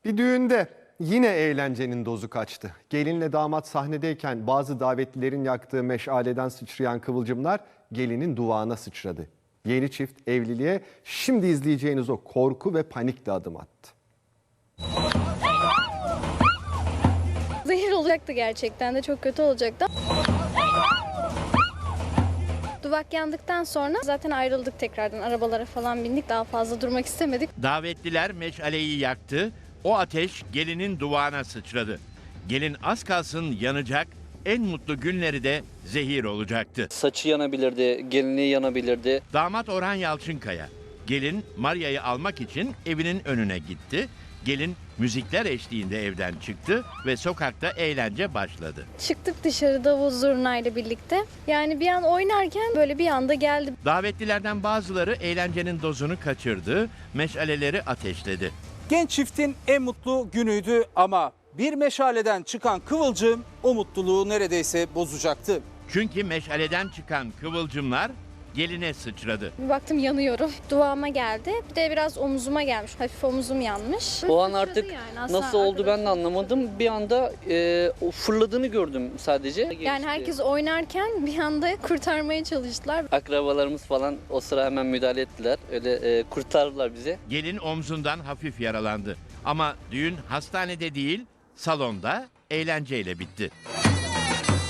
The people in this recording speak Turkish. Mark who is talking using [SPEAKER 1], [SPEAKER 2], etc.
[SPEAKER 1] Bir düğünde yine eğlencenin dozu kaçtı. Gelinle damat sahnedeyken bazı davetlilerin yaktığı meşaleden sıçrayan kıvılcımlar gelinin duvağına sıçradı. Yeni çift evliliğe şimdi izleyeceğiniz o korku ve panikle adım attı.
[SPEAKER 2] Zehir olacaktı gerçekten de, çok kötü olacaktı. Duvak yandıktan sonra zaten ayrıldık tekrardan, arabalara falan bindik, daha fazla durmak istemedik.
[SPEAKER 3] Davetliler meşaleyi yaktı, o ateş gelinin duvağına sıçradı. Gelin az kalsın yanacak, en mutlu günleri de zehir olacaktı.
[SPEAKER 4] Saçı yanabilirdi, gelinliği yanabilirdi.
[SPEAKER 3] Damat Orhan Yalçınkaya, gelin Maria'yı almak için evinin önüne gitti. Gelin müzikler eşliğinde evden çıktı ve sokakta eğlence başladı.
[SPEAKER 2] Çıktık dışarı davul zurnayla birlikte. Yani bir an oynarken böyle bir anda geldi.
[SPEAKER 3] Davetlilerden bazıları eğlencenin dozunu kaçırdı, meşaleleri ateşledi.
[SPEAKER 5] Genç çiftin en mutlu günüydü ama bir meşaleden çıkan kıvılcım o mutluluğu neredeyse bozacaktı.
[SPEAKER 3] Çünkü meşaleden çıkan kıvılcımlar geline sıçradı.
[SPEAKER 2] Bir baktım yanıyorum. Duvağıma geldi. Bir de biraz omuzuma gelmiş. Hafif omuzum yanmış.
[SPEAKER 4] O an
[SPEAKER 2] Sıçradı
[SPEAKER 4] artık
[SPEAKER 2] yani. Aslında
[SPEAKER 4] nasıl oldu ben de
[SPEAKER 2] arkadaşım-
[SPEAKER 4] anlamadım. Bir anda o fırladığını gördüm sadece.
[SPEAKER 2] Yani herkes oynarken bir anda kurtarmaya çalıştılar.
[SPEAKER 4] Akrabalarımız falan o sıra hemen müdahale ettiler. Öyle kurtardılar bizi.
[SPEAKER 3] Gelin omzundan hafif yaralandı. Ama düğün hastanede değil, salonda eğlenceyle bitti.